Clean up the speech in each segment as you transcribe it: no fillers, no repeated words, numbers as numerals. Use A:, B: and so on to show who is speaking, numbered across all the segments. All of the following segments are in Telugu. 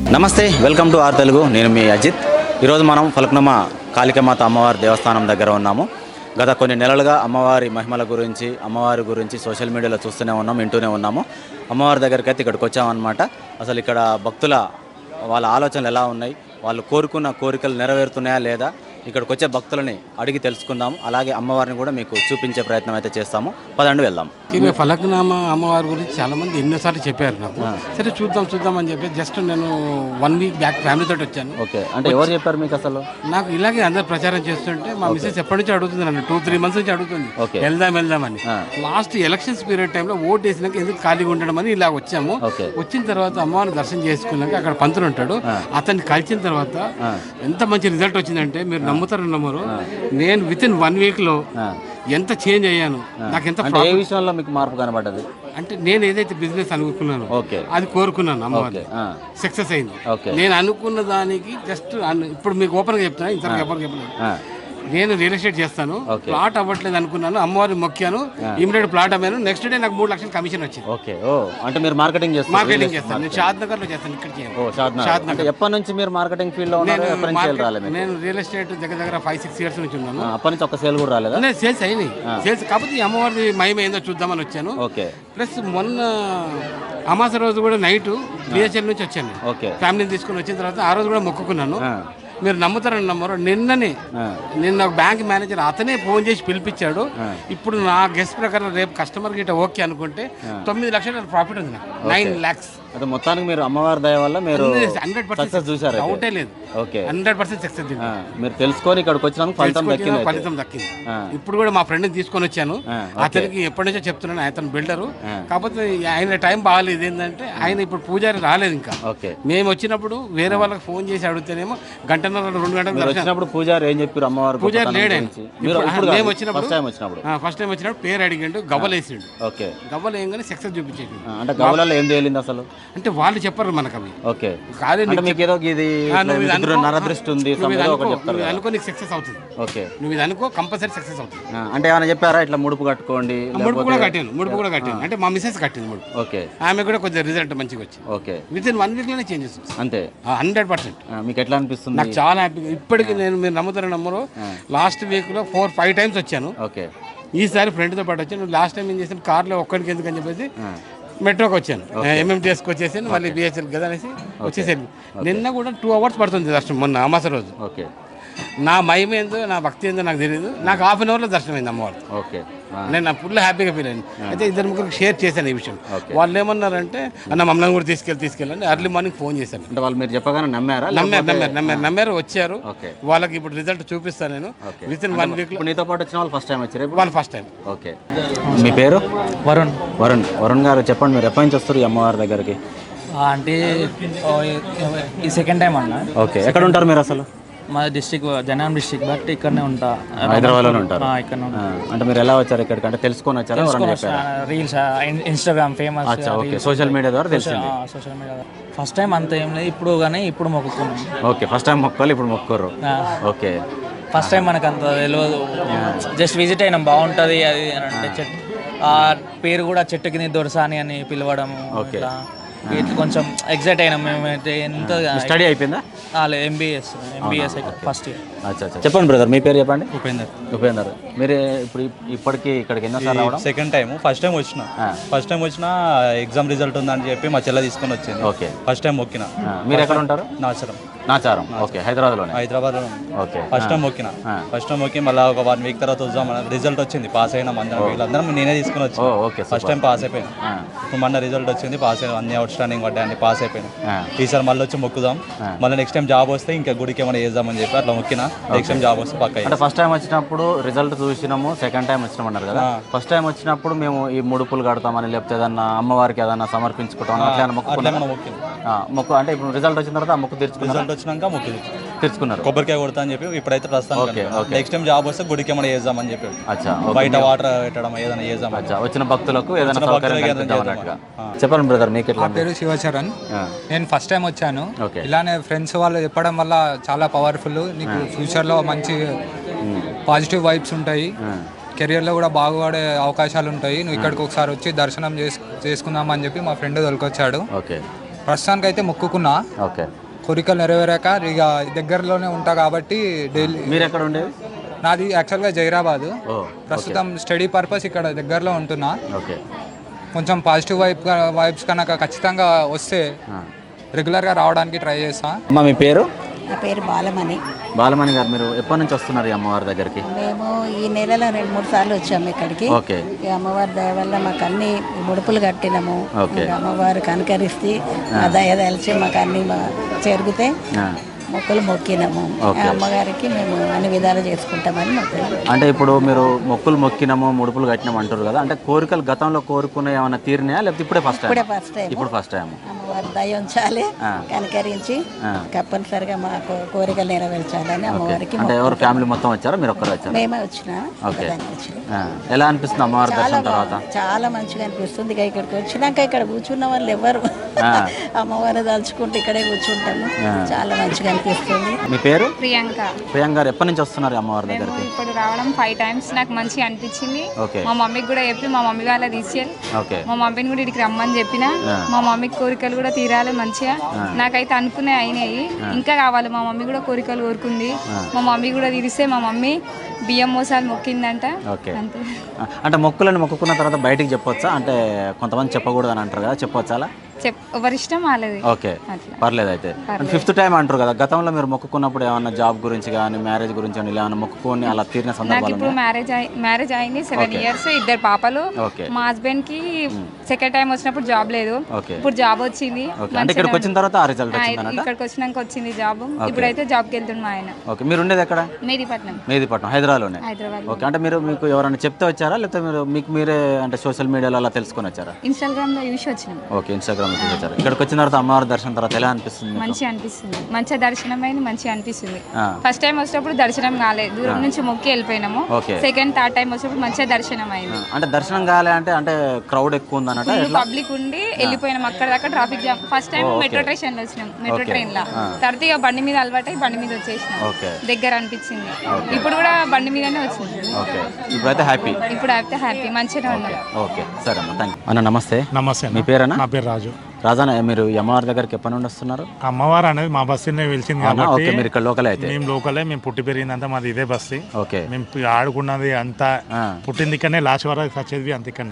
A: నమస్తే, వెల్కమ్ టు ఆర్ తెలుగు. నేను మీ అజిత్. ఈరోజు మనం ఫలక్నమా కాళికామాత అమ్మవారి దేవస్థానం దగ్గర ఉన్నాము. గత కొన్ని నెలలుగా అమ్మవారి మహిమల గురించి, అమ్మవారి గురించి సోషల్ మీడియాలో చూస్తూనే ఉన్నాం, వింటూనే ఉన్నాము. అమ్మవారి దగ్గరికి అయితే ఇక్కడికి వచ్చామన్నమాట. అసలు ఇక్కడ భక్తుల వాళ్ళ ఆలోచనలు ఎలా ఉన్నాయి, వాళ్ళు కోరుకున్న కోరికలు నెరవేరుతున్నాయా లేదా, ఇక్కడికి వచ్చే భక్తులని అడిగి తెలుసుకుందాము. అలాగే అమ్మవారిని కూడా మీకు చూపించే ప్రయత్నం అయితే చేస్తాము. పదండి వెళ్దాం.
B: ఈమె ఫలక్నామా అమ్మవారి గురించి చాలామంది ఎన్నోసార్లు చెప్పారు నాకు. సరే చూద్దాం అని చెప్పి జస్ట్ నేను 1 వీక్ బ్యాక్ ఫ్యామిలీతో వచ్చాను.
A: ఓకే, అంటే ఎవరు చెప్పారు మీకు అసలు?
B: నాకు ఇలాగే అందరు ప్రచారం చేస్తుంటే మా మిస్సెస్ ఎప్పటి నుంచి అడుగుతుంది, నన్ను 2-3 మంత్స్ నుంచి అడుగుతుంది వెళ్దామని. లాస్ట్ ఎలక్షన్స్ పీరియడ్ టైంలో ఓట్ వేసినాక ఎందుకు ఖాళీగా ఉండడం అని ఇలా వచ్చాము. వచ్చిన తర్వాత అమ్మవారిని దర్శనం చేసుకున్నాక అక్కడ పంతులు ఉంటాడు, అతన్ని కలిసిన తర్వాత ఎంత మంచి రిజల్ట్ వచ్చిందంటే మీరు నమ్మరు. నేను వితిన్ 1 వీక్లో ఎంత చేంజ్ అయ్యాను. నాకు ఎంత
A: ఏ విషయంలో మీకు మార్పు కనబడ్డది?
B: అంటే నేను ఏదైతే బిజినెస్ అనుకున్నానో అది కోరుకున్నాను, అమ్మవారి సక్సెస్ అయింది. నేను అనుకున్న దానికి జస్ట్ ఇప్పుడు మీకు ఓపెన్గా చెప్తాను, ఇంతవరకు ఎవరికి చెప్పలేదు. నేను రియల్ ఎస్టేట్ చేస్తాను, ప్లాట్ అవ్వట్లేదు అనుకున్నాను, అమ్మవారిని మొక్కాను, ఇమీడియట్ ప్లాట్ అమ్మాను. నెక్స్ట్ డే నాకు 3 లక్షలు కమిషన్ వచ్చింది.
A: ఓకే, ఓ అంటే మీరు మార్కెటింగ్ చేస్తారు?
B: మార్కెటింగ్ చేస్తాను, నేను షాద్నగర్ లో చేస్తాను. ఇక్కడ
A: ఎప్పటి నుంచి మీరు మార్కెటింగ్ ఫీల్డ్ లో ఉన్నారు?
B: నేను రియల్ ఎస్టేట్ దగ్గర 5-6 ఇయర్స్ నుంచి ఉన్నాను.
A: అప్పటి నుంచి ఒక సేల్ కూడా రాలేదా?
B: నేను సేల్స్ అయినాయి, సేల్స్ కాకపోతే ఈ అమ్మవారి మహిమ ఏందో చూద్దామని వచ్చాను.
A: ఓకే,
B: ప్లస్ మొన్న అమాస రోజు కూడా నైట్ బిహెచ్ఎల్ నుంచి వచ్చాను, ఫ్యామిలీని తీసుకుని వచ్చిన తర్వాత ఆ రోజు కూడా మొక్కుకున్నాను. మీరు నమ్మరు, నిన్న ఒక బ్యాంక్ మేనేజర్ అతనే ఫోన్ చేసి పిలిపించాడు. ఇప్పుడు నా గెస్ట్ ప్రకారం రేపు కస్టమర్ గిట్ట ఓకే అనుకుంటే 9 లక్షల ప్రాఫిట్ ఉంది, నాకు 9 lakhs.
A: అదే మొత్తానికి మీరు అమ్మవారి దయ వల్ల మీరు
B: 100%
A: చూసారు,
B: డౌటే లేదు.
A: Okay,
B: 100% success.
A: మీరు తెలుసుకొని ఇక్కడికి వచ్చినందుకు
B: ఫలితం దక్కింది. ఇప్పుడు కూడా మా ఫ్రెండ్ని తీసుకొని వచ్చాను. అతనికి ఎప్పటి నుంచో చెప్తున్నాను, అతను బిల్డరు, కాకపోతే ఆయన టైం బాగాలేదు. ఏంటంటే ఆయన ఇప్పుడు పూజారి రాలేదు ఇంకా. మేము వచ్చినప్పుడు వేరే వాళ్ళకి ఫోన్ చేసి అడిగితేనేమో 1.5-2 గంటలు
A: వచ్చినప్పుడు పూజారి ఏం చెప్పారు? అమ్మవారు
B: పూజారి లేడండి. మేము వచ్చినప్పుడు ఫస్ట్ టైం వచ్చినప్పుడు పేరు అడిగిండు, గవ్వలేసిండు.
A: ఓకే,
B: గవ్వలు ఏంగానే సక్సెస్ చూపించేది.
A: అంటే గవ్వలలో ఏం తేలింది అసలు?
B: అంటే వాళ్ళు చెప్పరు మనకు అవి.
A: ఓకే,
B: కాదు
A: మీకు ఏదో ఇది నరదృష్టి ఉంది
B: అనుకో, నీకు సక్సెస్ అవుతుంది.
A: ఓకే,
B: నువ్వు ఇది అనుకో, కంపల్సరీ సక్సెస్ అవుతుంది.
A: అంటే ఏమైనా చెప్పారా ఇట్లా ముడుపు కట్టుకోండి?
B: ముడుపు కూడా కట్టాను, అంటే మా మిసెస్ కట్టింది ముడుపు.
A: ఓకే,
B: ఆమె కూడా కొంచెం రిజల్ట్ మంచిగా వచ్చింది.
A: ఓకే,
B: వితిన్ 1 వీక్ లోనే చేంజెస్
A: అంతే.
B: 100%.
A: మీకు ఎట్లా అనిపిస్తుంది?
B: నాకు చాలా హ్యాపీగా ఇప్పటికి మీరు నమ్మరు, లాస్ట్ వీక్ లో 4-5 times వచ్చాను.
A: ఓకే,
B: ఈసారి ఫ్రెండ్తో పాటు వచ్చాను. లాస్ట్ టైం ఏం చేశాను, కార్లో ఒక్కడికి ఎందుకని చెప్పేసి మెట్రోకి వచ్చాను, ఎంఎంటీఎస్కి వచ్చేసాను, మళ్ళీ బిహెచ్ఎల్ కదా అనేసి వచ్చేసాను. నిన్న కూడా 2 hours పడుతుంది దర్శనం, మొన్న అమాస రోజు.
A: ఓకే,
B: నా మహిమ ఏందో, నా భక్తి ఏందో నాకు తెలియదు. నాకు 1/2 hourలో దర్శనం అయింది అమ్మవారు.
A: ఓకే,
B: నేను నా ఫుల్ హ్యాపీగా ఫీల్ అయింది. అయితే 2-3 షేర్ చేశాను ఈ విషయం. వాళ్ళు ఏమన్నారంటే అన్న మమ్మల్ని కూడా తీసుకెళ్ళండి. ఎర్లీ మార్నింగ్ ఫోన్ చేశాను.
A: అంటే వాళ్ళు మీరు చెప్పగానే
B: నమ్మారు, వచ్చారు. వాళ్ళకి ఇప్పుడు రిజల్ట్ చూపిస్తాను నేను వితిన్ 1 వీక్ లో.
A: నీతో పాటు వచ్చిన వాళ్ళు ఫస్ట్ టైం వచ్చారు?
B: వాళ్ళు ఫస్ట్ టైం.
A: ఓకే, మీ పేరు? వరుణ్ గారు, చెప్పండి మీరు ఎప్పటి నుంచి వస్తారు ఈ అమ్మవారి దగ్గరికి?
C: అంటే ఈ సెకండ్ టైం అన్న.
A: ఓకే, ఎక్కడ ఉంటారు మీరు అసలు?
C: మా డిస్ట్రిక్ట్ జనగాం డిస్ట్రిక్ట్, బట్ ఇక్కడనే ఉంటా,
A: హైదరాబాద్లోనే ఉంటారు.
C: ఇక్కడ
A: అంటే మీరు ఎలా వచ్చారు ఇక్కడికి? అంటే తెలుసుకొని వచ్చారా?
C: Reels, Instagram famous,
A: social media ద్వారా తెలిసింది.
C: సోషల్ మీడియా ఫస్ట్ టైం అంత ఏం లేదు ఇప్పుడు, కానీ ఇప్పుడు మొక్కుకున్నాం.
A: ఓకే, ఫస్ట్ టైం మొక్కాలి, ఇప్పుడు మొక్కుకోరు. ఓకే,
C: ఫస్ట్ టైం మనకు అంత తెలియదు, జస్ట్ విజిట్ అయినాం, బాగుంటుంది అది అని అంటే. చెట్టు పేరు కూడా చెట్టు కింద దొరసాని అని పిలవడం, ఇట్లా కొంచెం ఎగ్జైట్ అయినాం మేమైతే. ఎంత
A: స్టడీ అయిపోయిందా?
C: MBBS first year.
A: చెప్పండి బ్రదర్, మీ పేరు చెప్పండి.
D: ఉపేందర్.
A: మీరు ఇప్పుడు ఇప్పటికి ఇక్కడికి ఎన్నోసార్లు రావడం?
D: Second time. ఫస్ట్ టైం వచ్చిన ఎగ్జామ్ రిజల్ట్ ఉందని చెప్పి మా చెల్ల తీసుకొని వచ్చింది.
A: ఓకే,
D: ఫస్ట్ టైం మొక్కిన.
A: మీరు ఎక్కడ ఉంటారు? నాచారం. ఓకే, హైదరాబాద్ లో. ఓకే,
D: ఫస్ట్ టైం మొక్కి మళ్ళీ ఒక 1 వీక్ తర్వాత వద్దాం. రిజల్ట్ వచ్చింది, పాస్ అయినా వీళ్ళందరం నేనే తీసుకుని వచ్చి. ఫస్ట్ టైం పాస్ అయిపోయాను. ఇప్పుడు మొన్న రిజల్ట్ వచ్చింది, పాస్ అయినా, అన్ని అవుట్ స్టాండింగ్ పడ్డాయి, పాస్ అయిపోయాను. ఈసారి మళ్ళీ వచ్చి మొక్కుదాం, మళ్ళీ నెక్స్ట్ టైం జాబ్ వస్తే ఇంకా గుడికి ఏమైనా చేద్దామని చెప్పి అట్లా మొక్కిన. నెక్స్ట్ టైం జాబ్ వస్తే పక్క.
A: అంటే ఫస్ట్ టైం వచ్చినప్పుడు రిజల్ట్ చూసినాము, సెకండ్ టైం వచ్చినామన్నారు కదా. ఫస్ట్ టైం వచ్చినప్పుడు మేము ఈ ముడుపులు కడతామని, లేకపోతే ఏదన్నా అమ్మవారికి ఏదన్నా సమర్పించుకుంటాం అట్లా మొక్కు. అంటే ఇప్పుడు రిజల్ట్ వచ్చిన తర్వాత ఆ మొక్కు
D: రిజల్ట్ వచ్చినాక మొక్కు
A: తెచ్చుకున్నారు,
D: కొబ్బరికాయ కొడతా అని చెప్పి. ఇప్పుడైతే ప్రస్తుతానికి నెక్స్ట్ టైం జాబ్ వస్తే గుడికి ఏమైనా చేద్దామని చెప్పి. బయట వాటర్ పెట్టడం ఏదైనా చేద్దాం.
A: వచ్చిన భక్తులకు ఏదైనా చెప్పండి బ్రదర్, మీకు ఎట్లా?
E: నా పేరు శివచరణ్. నేను ఫస్ట్ టైం వచ్చాను. ఇలానే ఫ్రెండ్స్ వాళ్ళు చెప్పడం వల్ల చాలా పవర్ఫుల్. నీకు ఫ్యూచర్లో మంచి పాజిటివ్ వైబ్స్ ఉంటాయి, కెరియర్లో కూడా బాగుపడే అవకాశాలు ఉంటాయి. నువ్వు ఇక్కడికి ఒకసారి వచ్చి దర్శనం చేసుకుందామని చెప్పి మా ఫ్రెండ్ తొలకొచ్చాడు. ప్రస్తుతానికి అయితే మొక్కుకున్నా,
A: ఓకే.
E: కోరికలు నెరవేరాక ఇక దగ్గరలోనే ఉంటా కాబట్టి డైలీ.
A: మీరు ఎక్కడ ఉండేది?
E: నాది యాక్చువల్గా జైరాబాదు, ప్రస్తుతం స్టడీ పర్పస్ ఇక్కడ దగ్గరలో ఉంటున్నా.
A: ఓకే.
E: కొంచెం పాజిటివ్ వైబ్స్ కనుక ఖచ్చితంగా వస్తే రెగ్యులర్గా రావడానికి ట్రై చేస్తా.
A: అమ్మ మీ పేరు?
F: నా పేరు బాలమణి.
A: బాలమణి గారు, మీరు ఎప్పటి నుంచి వస్తున్నారు ఈ అమ్మవారి దగ్గరికి?
F: మేము ఈ నెలలో 2-3 సార్లు వచ్చాము ఇక్కడికి.
A: ఓకే.
F: ఈ అమ్మవారి దయ వల్ల మాకు అన్ని ముడుపులు కట్టినాము. ఇంకా అమ్మవారు కనకరిస్తే మా దయ తలిచి మాకు అన్ని జరిగితే మొక్కులు మొక్కినాము. అమ్మగారికి మేము అన్ని విధాలు చేసుకుంటామని మొక్కులు.
A: అంటే ఇప్పుడు మీరు మొక్కులు మొక్కినాము, ముడుపులు కట్టినాము అంటారు కదా, అంటే కోరికలు గతంలో కోరుకునే ఏమైనా తీరినాయా లేకపోతే ఇప్పుడే ఫస్ట్ టైం? ఇప్పుడు ఫస్ట్ టైం.
F: అమ్మవారి దయ ఉంచాలి, కనకరించి తప్పనిసరిగా మా కోరికలు నెరవేర్చాలని అమ్మవారికి.
A: అంటే ఎవరు ఫ్యామిలీ మొత్తం వచ్చారా, మీరు ఒక్కరు వచ్చారా?
F: మేమే వచ్చినా.
A: ఎలా అనిపిస్తుంది అమ్మవారి దర్శనం తర్వాత?
F: చాలా మంచిగా అనిపిస్తుంది. ఇక ఇక్కడికి వచ్చినాక ఇక్కడ కూర్చున్న వాళ్ళు ఎవరు అమ్మవారు తలుచుకుంటూ ఇక్కడే కూర్చుంటాము. చాలా మంచిగా అనిపిస్తుంది.
A: మీ పేరు?
G: ప్రియాంక.
A: ప్రియాంక గారు, ఎప్పటి నుంచి వస్తున్నారు అమ్మవారి దగ్గరికి?
G: ఇప్పుడు రావడం 5 times. నాకు మంచిగా అనిపించింది. మా మమ్మీకి కూడా చెప్పి మా మమ్మీ వాళ్ళ తీసుకెళ్ళి మా మమ్మీని కూడా ఇక్కడికి రమ్మని చెప్పిన. మా మమ్మీకి కోరికలు కూడా తీరాలి మంచిగా. నాకైతే అనుకునే అయినాయి, ఇంకా కావాలి. మా మమ్మీ కూడా కోరికలు కోరుకుంది. మా మమ్మీ కూడా తీరిస్తే మా మమ్మీ బియ్యం మోసాలు మొక్కిందంట. అంతే.
A: అంటే మొక్కులను మొక్కుకున్న తర్వాత బయటికి చెప్పొచ్చా? అంటే కొంతమంది చెప్పకూడదు అని అంటారు కదా, చెప్పొచ్చా అలా?
G: ఎవరి ఇష్టం వాళ్ళది.
A: ఓకే, పర్లేదు. అయితే 5th టైం అంటారు కదా, గతంలో మీరు మొక్కుకున్నప్పుడు ఏమన్నా జాబ్ గురించి కానీ మ్యారేజ్ గురించి కానీ ఇలా ఏమన్నా మొక్కుకొని అలా తీరిన సందర్భాలు?
G: ఇప్పుడు మ్యారేజ్ అయింది 7 years, 2 పాపలు. మా హస్బెండ్ కి సెకండ్ టైం వచ్చినప్పుడు జాబ్ లేదు, ఇప్పుడు జాబ్ వచ్చింది.
A: అంటే ఇక్కడికి వచ్చిన తర్వాత ఆ రిజల్ట్ వచ్చిందన్నమాట.
G: ఇక్కడికి వచ్చినాక వచ్చింది జాబ్. ఇప్పుడైతే జాబ్కి వెళ్తున్నా ఆయన.
A: ఓకే. మీరు ఉండేది ఎక్కడ? మెహదీపట్నం, హైదరాబాద్లోనే. ఓకే. అంటే మీకు ఎవరైనా చెప్తే వచ్చారా లేకపోతే మీకు మీరే అంటే సోషల్ మీడియాలో అలా తెలుసుకొని వచ్చారా?
G: ఇన్స్టాగ్రామ్ లో చూసి వచ్చినాం.
A: ఓకే, ఇన్స్టాగ్రామ్ లో చూసి వచ్చారు. ఇక్కడికి వచ్చిన తర్వాత అమ్మవారి దర్శనం తర్వాత ఎలా అనిపిస్తుంది?
G: మంచిగా అనిపిస్తుంది, మంచిగా దర్శనం అయింది, మంచిగా అనిపిస్తుంది. ఫస్ట్ టైం వచ్చినప్పుడు దర్శనం కాలేదు, దూరం నుంచి మొక్కి వెళ్ళిపోయినాము. సెకండ్ థర్డ్ టైం వచ్చినప్పుడు మంచిగా దర్శనం అయింది.
A: అంటే దర్శనం కాలే అంటే క్రౌడ్ ఎక్కువ ఉందన్నట్టు
G: పబ్లిక్ ఉండి వెళ్ళిపోయినాం. అక్కడ దాకా traffic jam. First time metro station లో వచ్చినాం, మెట్రో ట్రైన్ లో. తర్వాత ఇక బండి మీద అలవాటు బండి మీద వచ్చేసినాం. దగ్గర అనిపించింది. ఇప్పుడు కూడా బండి మీదనే వచ్చింది.
A: ఇప్పుడైతే హ్యాపీ.
G: మంచిగా ఉన్నాం.
A: ఓకే, సరే అన్న, థ్యాంక్ యూ. అన్న నమస్తే.
H: నమస్తే.
A: మీ పేరేనా?
H: నా పేరు రాజు.
A: రాజానా, మీరు అమ్మవారి దగ్గరికి ఎప్పటి నుండి వస్తున్నారు?
H: అమ్మవారు అనేది మా బస్తీనే వెలిసింది కాబట్టి
A: మీరు ఇక్కడ లోకలే? అయితే
H: మేము లోకలే, మేము పుట్టి పెరిగిందంతా మాది ఇదే బస్తీ.
A: ఓకే.
H: మేము ఆడుకున్నది అంతా పుట్టింది ఇక్కడనే, లాస్ట్ వరకు వచ్చేది అంత ఇక్కడనే.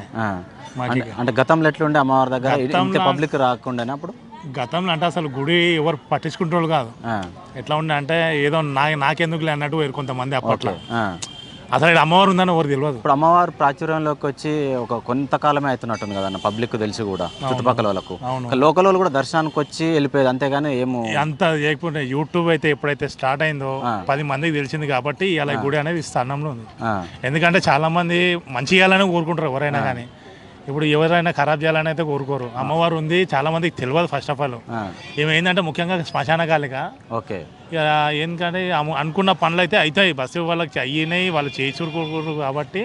A: అంటే గతంలో ఎట్లుండే అమ్మవారి దగ్గర? పబ్లిక్ రాకుండా అప్పుడు?
H: గతంలో అంటే అసలు గుడి ఎవరు పట్టించుకుంటారు కాదు. ఎట్లా ఉండే అంటే ఏదో నాకెందుకులే అన్నట్టు కొంతమంది అప్పట్లో. అసలు ఇక్కడ అమ్మవారు ఉందని ఎవరు తెలియదు.
A: ఇప్పుడు అమ్మవారు ప్రాచుర్యంలోకి వచ్చి ఒక కొంతకాలమే అవుతున్నట్టుంది కదన్న, పబ్లిక్ తెలిసి కూడా చుట్టుపక్కల వాళ్ళకు. లోకల్ వాళ్ళు కూడా దర్శనానికి వచ్చి వెళ్ళిపోయేది, అంతేగాని ఏమో
H: అంత చేయకపోతే. యూట్యూబ్ అయితే ఎప్పుడైతే స్టార్ట్ అయిందో 10 మందికి తెలిసింది కాబట్టి ఇలా గుడి అనేది స్థానంలో ఉంది. ఎందుకంటే చాలా మంది మంచి చేయాలని కోరుకుంటారు ఎవరైనా కానీ. ఇప్పుడు ఎవరైనా ఖరాబ్ చేయాలని అయితే కోరుకోరు. అమ్మవారు ఉంది, చాలా మందికి తెలియదు. ఫస్ట్ ఆఫ్ ఆల్ ఏమైందంటే ముఖ్యంగా శ్మశాన కాలిక. ఓకే. ఎందుకంటే అనుకున్న పనులు అయితే అవుతాయి, బస్సు వాళ్ళకి అయినాయి, వాళ్ళు చేయించుకోరు కాబట్టి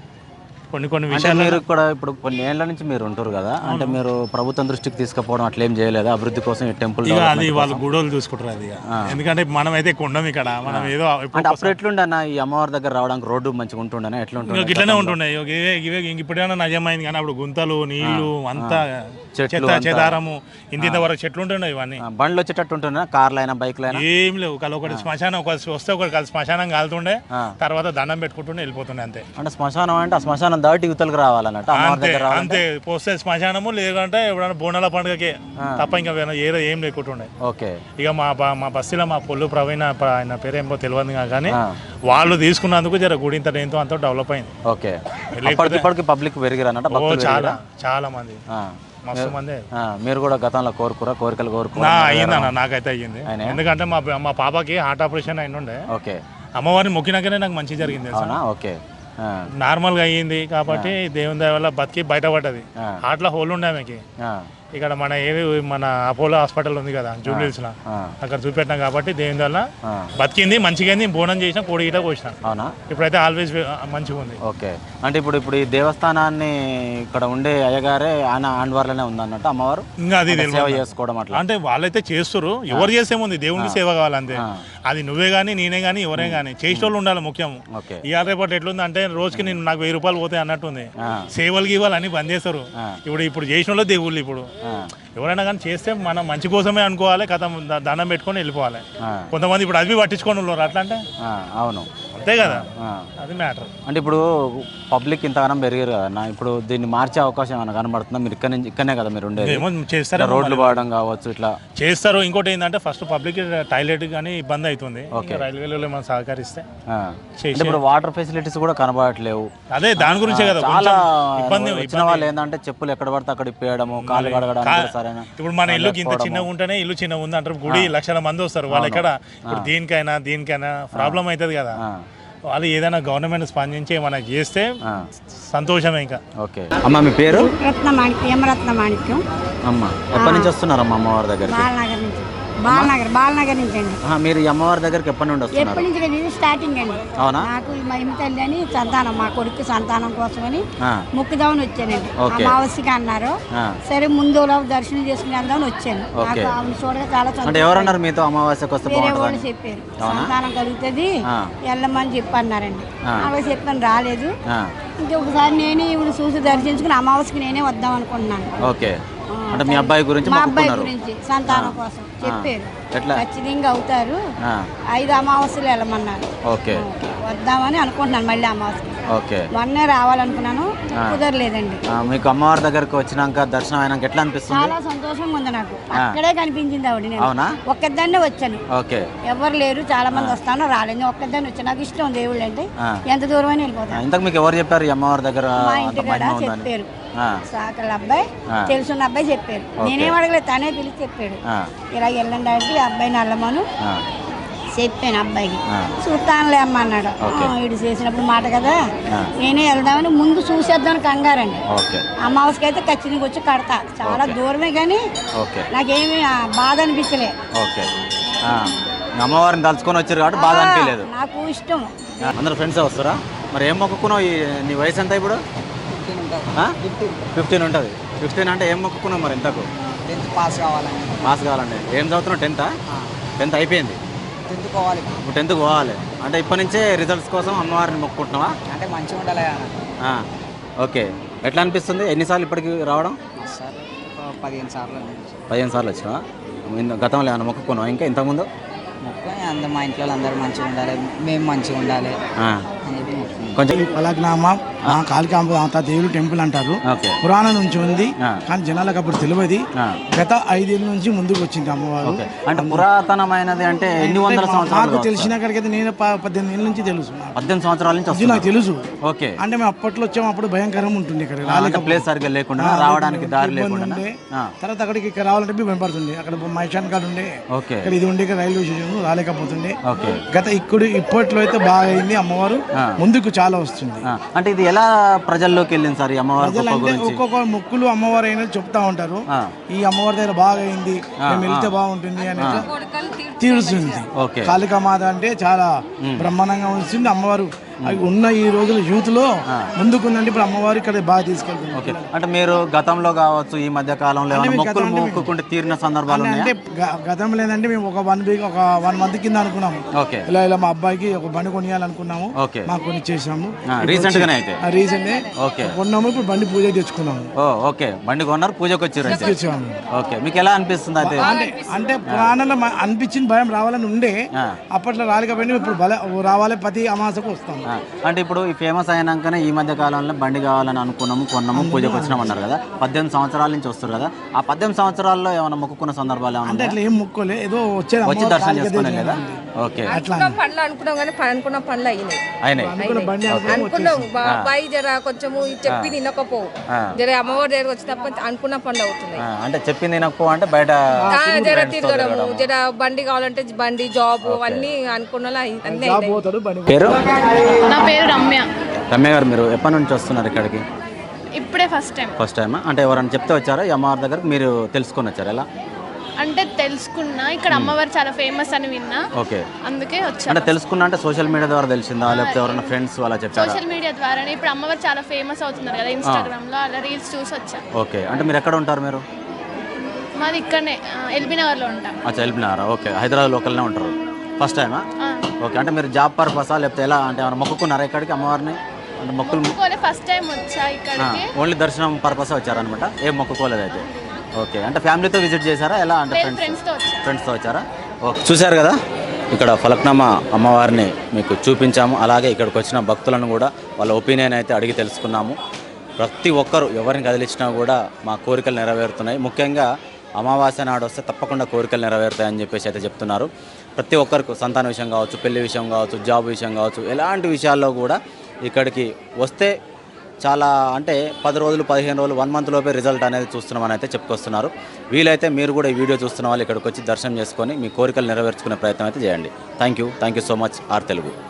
H: కొన్ని విషయాలు.
A: మీరు కూడా ఇప్పుడు కొన్ని ఏళ్ల నుంచి మీరు ఉంటారు కదా, అంటే మీరు ప్రభుత్వం దృష్టికి తీసుకుపోవడం అట్లా ఏం చేయలేదు అభివృద్ధి కోసం? ఈ టెంపుల్
H: అది వాళ్ళు గుడోలు చూసుకుంటారు అది. ఎందుకంటే మనం అయితే కొండం ఇక్కడ, మనం ఏదో
A: అప్పుడు ఎట్లుండే అన్న ఈ అమ్మవారి దగ్గర రావడానికి రోడ్డు మంచిగా ఉంటుండే? ఎట్లుంటుంది?
H: ఇట్లనే ఉంటుండే. ఇప్పుడేమన్నా నయమైంది కానీ అప్పుడు గుంతలు, నీళ్లు, అంతా చెదారము, ఇంత వరకు చెట్లు ఉంటుండే. ఇవన్నీ
A: బండ్లు వచ్చేటట్టు ఉంటుండే, కార్లు అయినా బైక్లు అయినా
H: ఏం లేవు. ఒకటి శ్మశానం వస్తే ఒకటి శ్మశానం కాలుతుండే, తర్వాత దండం పెట్టుకుంటుండే వెళ్ళిపోతుండే అంతే.
A: అంటే శ్మశానం అంటే ఆ శ్మశానం దాటి యువతలకు రావాలన్నట్టు
H: అంతే. పోస్తే శ్మశానము, లేదంటే ఎప్పుడైనా బోనాల పండుగకి తప్ప ఇంకా ఏదో ఏం లేకుంటుండే.
A: ఓకే.
H: ఇక మా బస్సులో మా పొల్లు ప్రవీణ, ఆయన పేరేమో తెలియదు కానీ వాళ్ళు తీసుకున్నందుకు జర గుడి ఇంత ఎంతో అంత డెవలప్ అయింది.
A: ఓకే. ఇప్పటికి పబ్లిక్ పెరిగిరన్నట్టు
H: చాలా మంది, మస్తు మంది.
A: మీరు కూడా గతంలో కోరికలు
H: అయ్యిందన్న? నాకైతే అయ్యింది. ఎందుకంటే మా పాపకి హార్ట్ ఆపరేషన్ అయినుండే.
A: ఓకే.
H: అమ్మవారిని మొక్కినాకనే నాకు మంచి జరిగింది.
A: ఓకే.
H: నార్మల్గా అయ్యింది కాబట్టి దేవుని దయ వల్ల బతికి బయటపడ్డది. హార్ట్లో హోల్ ఉండే ఆమెకి. ఇక్కడ మన అపోలో హాస్పిటల్ ఉంది కదా జూబ్లీహిల్స్ లో, అక్కడ చూపెట్టినాం కాబట్టి దేవుని వల్ల బతికింది, మంచిగా బోనం చేసిన, కోడి గిట కోసిన. అవునా? ఇప్పుడైతే ఆల్వేస్ మంచిగా ఉంది.
A: ఓకే. అంటే ఇప్పుడు ఈ దేవస్థానాన్ని ఇక్కడ ఉండే అయ్యగారే ఆయన ఆండ్వార్లోనే ఉంది అన్నట్టు అమ్మవారు?
H: ఇంకా అది
A: సేవ చేసుకోవడం అట్లా
H: అంటే వాళ్ళైతే చేస్తారు. ఎవరు చేసేముంది, దేవునికి సేవ కావాలంతే. అది నువ్వే కానీ నేనే కానీ ఎవరే కానీ చేసేటోళ్ళు ఉండాలి ముఖ్యం. ఇవాళ రేపటి ఎట్లుంది అంటే రోజుకి నేను నాకు 1000 రూపాయలు పోతాయి అన్నట్టుంది. సేవలు గీవాలు అన్ని బంద్ చేస్తారు. ఇప్పుడు చేసిన వాళ్ళు దేవుళ్ళు. ఇప్పుడు ఎవరైనా కానీ చేస్తే మనం మంచి కోసమే అనుకోవాలి, కథ దండం పెట్టుకొని వెళ్ళిపోవాలి. కొంతమంది ఇప్పుడు అవి పట్టించుకొని ఉన్నారు అట్లా అంటే
A: అవును
H: అంతే కదా, అది మ్యాటర్.
A: అంటే ఇప్పుడు పబ్లిక్ ఇంతగానం పెరిగారు కదా, ఇప్పుడు దీన్ని మార్చే అవకాశం ఏమైనా కనబడుతుందా? మీరు ఇక్కడనే కదా మీరు ఉండేది,
H: చేస్తారు
A: రోడ్లు పోవడం కావచ్చు ఇట్లా
H: చేస్తారు. ఇంకోటి ఏంటంటే ఫస్ట్ పబ్లిక్ టాయిలెట్ కానీ ఇబ్బంది అవుతుంది, రైల్వేలో మనం సహకరిస్తే.
A: ఇప్పుడు వాటర్ ఫెసిలిటీస్ కూడా కనబడట్లేవు,
H: అదే దాని గురించే కదా
A: చాలా ఇబ్బంది. వచ్చిన వాళ్ళు ఏంటంటే చెప్పులు ఎక్కడ పడితే అక్కడ ఇప్పేయడము, కాలు కడగడం సరైన.
H: ఇప్పుడు మన ఇల్లు ఇంత చిన్నగా ఉంటేనే ఇల్లు చిన్నగా ఉంది అంటారు, గుడి లక్షల మంది వస్తారు, వాళ్ళు ఎక్కడ ఇప్పుడు దీనికైనా ప్రాబ్లం అవుతుంది కదా. వాళ్ళు ఏదైనా గవర్నమెంట్ స్పందించి మనకి చేస్తే సంతోషమే. ఇంకా
A: ఓకే అమ్మ, మీ పేరు?
I: రత్న మాణిక్యం.
A: అమ్మ, ఎప్పటి నుంచి వస్తున్నారమ్మా అమ్మవారి దగ్గరికి?
I: బాలనగర్ నుంచి అండి.
A: మీరు ఈ అమ్మవారి దగ్గరికి ఎప్పటి నుండి వస్తున్నారు?
I: ఎప్పటి నుంచి స్టార్టింగ్ అండి.
A: అవునా?
I: నాకు మహిమ తల్లి అని సంతానం, మా కొడుకు సంతానం కోసమని మొక్కుదామని వచ్చానండి. అమావాస్యకి అన్నారు, సరే ముందు దర్శనం చేసుకుని వెళ్దామని వచ్చాను. నాకు ఆమెను చూడగా చాలా సంతోషం.
A: ఎవరన్నారు మీతో అమావాస్యకి వస్తే?
I: వేరే వాళ్ళు చెప్పారు సంతానం కలుగుతుంది వెళ్ళమని చెప్పన్నారండి. అలా చెప్పాను, రాలేదు. ఇంకొకసారి నేనే ఇప్పుడు చూసి దర్శించుకుని అమావాస్యకి నేనే వద్దాం అనుకుంటున్నాను.
A: ఓకే, అంటే మీ అబ్బాయి గురించి?
I: మా అబ్బాయి గురించి సంతానం కోసం చెప్పారు, ఖచ్చితంగా అవుతారు. 5 అమావాస్యలు వెళ్ళమన్నారు.
A: ఓకే,
I: వద్దామని అనుకుంటున్నాను. మళ్ళీ అమావాస్య మొన్నే రావాలనుకున్నాను, కుదరలేదండి.
A: మీకు అమ్మవారి దగ్గరకు వచ్చినాక దర్శనం అయినాక ఎట్లా అనిపిస్తుంది?
I: చాలా సంతోషంగా ఉంది నాకు. అక్కడే కనిపించింది ఆవిడ. నేను ఒక్కదాన్నే వచ్చాను, ఎవరు లేరు, చాలా మంది వస్తాను, రాలేదు. ఒక్కదాన్ని వచ్చాను. నాకు ఇష్టం దేవుళ్ళు అంటే, ఎంత దూరం అయినా వెళ్ళిపోతాను.
A: ఇంతకు మీకు ఎవరు చెప్పారు అమ్మవారి దగ్గర?
I: మా ఇంటి కూడా చెప్పారు, సాకల అబ్బాయి, తెలుసున్న అబ్బాయి చెప్పారు. నేనేం అడగలేదు, తనే పిలిచి చెప్పాడు, ఇలా వెళ్ళండి అంటే అబ్బాయిని వెళ్ళమను చెప్పాను. అబ్బాయికి చూస్తానులే అమ్మ అన్నాడు. వీడు చేసినప్పుడు మాట కదా, నేనే వెళ్దామని ముందు చూసేద్దామని కంగారండి. అమావాస్యకి అయితే ఖచ్చితంగా వచ్చి కడతా, చాలా దూరమే కానీ నాకేమి బాధ అనిపించలే.
A: అమ్మవారిని తలుచుకొని వచ్చారు కాబట్టి బాధ అనిపించలేదు.
I: నాకు ఇష్టం.
A: అందరు ఫ్రెండ్స్ వస్తారా? మరి ఏం మొక్కుకున్నావు? నీ వయసు ఎంత ఇప్పుడు? 15 ఉంటుంది. 15 అంటే ఏం మొక్కుకున్నావు మరి? ఇంతకు
J: 10th పాస్ కావాలండి.
A: పాస్ కావాలండి. ఏం చదువుతున్నావు? 10th అయిపోయింది.
J: 10th పోవాలి.
A: ఇప్పుడు 10th పోవాలి అంటే ఇప్పటి నుంచే రిజల్ట్స్ కోసం అమ్మవారిని మొక్కుకుంటున్నావా?
J: అంటే మంచిగా ఉండాలి.
A: ఓకే, ఎట్లా అనిపిస్తుంది? ఎన్నిసార్లు ఇప్పటికి రావడం?
J: సార్ 15 సార్లు.
A: 15 సార్లు వచ్చినా? గతంలో ఏమైనా మొక్కుకున్నావు ఇంకా ఇంతకుముందు?
J: అందరూ మా ఇంట్లో అందరూ మంచిగా ఉండాలి, మేము మంచిగా ఉండాలి.
A: కొంచెం
K: పలక్నామా కాళికాంబ దేవుడు టెంపుల్ అంటారు, పురాణం నుంచి ఉంది కానీ జనాలకు అప్పుడు తెలియదు. గత 5 ఏళ్ళ నుంచి ముందుకు వచ్చింది అమ్మవారు.
A: అంటే పురాతనమైనది అంటే ఎన్ని వందల సంవత్సరాలు?
K: నాకు తెలిసిన కాడికైతే నేను 18 ఏళ్ళ నుంచి తెలుసు.
A: 18 సంవత్సరాల నుంచి
K: నాకు తెలుసు.
A: ఓకే,
K: అంటే మేము అప్పట్లో వచ్చాము, అప్పుడు భయంకరంగా ఉంటుంది ఇక్కడ,
A: ప్లేస్ సరిగ్గా లేకుండా, రావడానికి దారి లేకుండా.
K: తర్వాత అక్కడికి ఇక్కడ రావాలంటే భయపడుతుంది. అక్కడ మైషాన్ కార్డు ఉండే, ఇక్కడ ఇది ఉండే, ఇక్కడ రైల్వే స్టేషన్ రాలేకపోతుండే. గత ఇప్పట్లో అయితే బాగా అయింది. అమ్మవారు ముందుకు చాలా వస్తుంది.
A: అంటే ఇది ఎలా ప్రజల్లోకి వెళ్ళింది సార్?
K: ఒక్కొక్క మొక్కులు అమ్మవారు అయినా చెప్తా ఉంటారు, ఈ అమ్మవారి దగ్గర బాగా అయింది, మేము వెళ్తే బాగుంటుంది అని తీరుస్తుంది. కాళికామాత అంటే చాలా బ్రహ్మాండంగా వస్తుంది అమ్మవారు. ఉన్న ఈ రోజుల యూత్ లో ముందుకుందండి. ఇప్పుడు అమ్మవారు ఇక్కడ బాగా తీసుకెళ్తుంది.
A: అంటే మీరు గతంలో కావచ్చు, ఈ మధ్య కాలంలో మొక్కుకుంటే తీరిన సందర్భాలు
K: అంటే గతంలో ఏంటంటే మేము ఒక 1 మంత్ కింద అనుకున్నాము, ఇలా మా అబ్బాయికి ఒక బండి కొనియాలనుకున్నాము, మాకు కొని చేసాము.
A: రీసెంట్
K: కొన్నాము, ఇప్పుడు బండి పూజ తెచ్చుకున్నాము.
A: ఓకే, బండి కొన్నారు, పూజకు వచ్చారు. ఓకే, మీకు ఎలా అనిపిస్తుంది? అయితే
K: అంటే పురాణంలో అనిపించింది, భయం రావాలని ఉండే, అప్పట్లో రాలేకపోయినా ఇప్పుడు రావాలి, ప్రతి అమాసకు వస్తాము.
A: అంటే ఇప్పుడు ఈ ఫేమస్ అయినాకనే ఈ మధ్య కాలంలో బండి కావాలని అనుకున్నాము, కొన్నాము, పూజకు వచ్చినాం అన్నారు కదా. 18 సంవత్సరాల నుంచి వస్తారు కదా, ఆ 18 సంవత్సరాల్లో ఏమైనా మొక్కుకున్న సందర్భాలు
K: అంటే అట్లా ఏం మొక్కులే, ఏదో వచ్చి
A: దర్శనం చేసుకున్నాం కదా. ఓకే,
L: పనులు అనుకున్నాం కానీ అనుకున్న పనులు అయినాయి. అబ్బాయి జర కొంచెము చెప్పి తినకపోవు, జర అమ్మవారి దగ్గర వచ్చినప్పుడు అనుకున్న పనులు అవుతున్నాయి.
A: అంటే చెప్పి తినకపో అంటే బయట
L: జర తిరగడము, జర బండి కావాలంటే బండి, జాబ్ అన్ని అనుకున్న అన్ని.
M: నా పేరు రమ్య.
A: రమ్య గారు, మీరు ఎప్పటి నుంచి వస్తున్నారు ఇక్కడికి?
M: ఇప్పుడే ఫస్ట్ టైం.
A: అంటే ఎవరైనా చెప్తే వచ్చారా ఈ అమ్మవారి దగ్గర? మీరు తెలుసుకొని వచ్చారు? ఎలా
M: అంటే తెలుసుకున్నా, ఇక్కడ అమ్మవారు చాలా ఫేమస్ అని విన్నా, అందుకే వచ్చా.
A: అంటే తెలుసుకున్నా అంటే సోషల్ మీడియా ద్వారా తెలిసిందా, లేకపోతే ఎవరైనా ఫ్రెండ్స్ అలా చెప్పారా?
M: సోషల్ మీడియా ద్వారానే. ఇప్పుడు అమ్మవారు చాలా ఫేమస్ అవుతున్నారు కదా ఇన్స్టాగ్రామ్ లో, అలా రీల్స్ చూసి వచ్చా.
A: ఓకే, అంటే మీరు ఎక్కడ ఉంటారు? మీరు
M: మాది ఇక్కడనే ఎల్బీ నగర్ లో ఉంటాం.
A: ఎల్బీ నగర్. ఓకే, హైదరాబాద్ లోకల్నే ఉంటారు. ఫస్ట్ టైమా? ఓకే, అంటే మీరు జాబ్ పర్పసా లేకపోతే ఎలా అంటే ఏమైనా మొక్కుకున్నారా ఇక్కడికి అమ్మవారిని? అంటే మొక్కులు
M: ఫస్ట్ టైం వచ్చా ఇక్కడికి.
A: ఓన్లీ దర్శనం పర్పస్ వచ్చారనమాట, ఏం మొక్కుకోలేదు అయితే. ఓకే, అంటే ఫ్యామిలీతో విజిట్ చేశారా ఎలా? అంటే ఫ్రెండ్స్తో వచ్చారా? ఓకే, చూశారు కదా ఇక్కడ ఫలక్నామా అమ్మవారిని మీకు చూపించాము. అలాగే ఇక్కడికి వచ్చిన భక్తులను కూడా వాళ్ళ ఒపీనియన్ అయితే అడిగి తెలుసుకున్నాము. ప్రతి ఒక్కరు ఎవరిని కదిలించినా కూడా మా కోరికలు నెరవేరుతున్నాయి. ముఖ్యంగా అమావాస్య నాడు వస్తే తప్పకుండా కోరికలు నెరవేరుతాయని చెప్పేసి అయితే చెప్తున్నారు. ప్రతి ఒక్కరికి సంతాన విషయం కావచ్చు, పెళ్లి విషయం కావచ్చు, జాబ్ విషయం కావచ్చు, ఎలాంటి విషయాల్లో కూడా ఇక్కడికి వస్తే చాలా అంటే 10 రోజులు 15 రోజులు 1 మంత్ లోపే రిజల్ట్ అనేది చూస్తున్నామని అయితే చెప్పుకొస్తున్నారు. వీలైతే మీరు కూడా ఈ వీడియో చూస్తున్న వాళ్ళు ఇక్కడికి వచ్చి దర్శనం చేసుకొని మీ కోరికలు నెరవేర్చుకునే ప్రయత్నం అయితే చేయండి. Thank you so much R Telugu.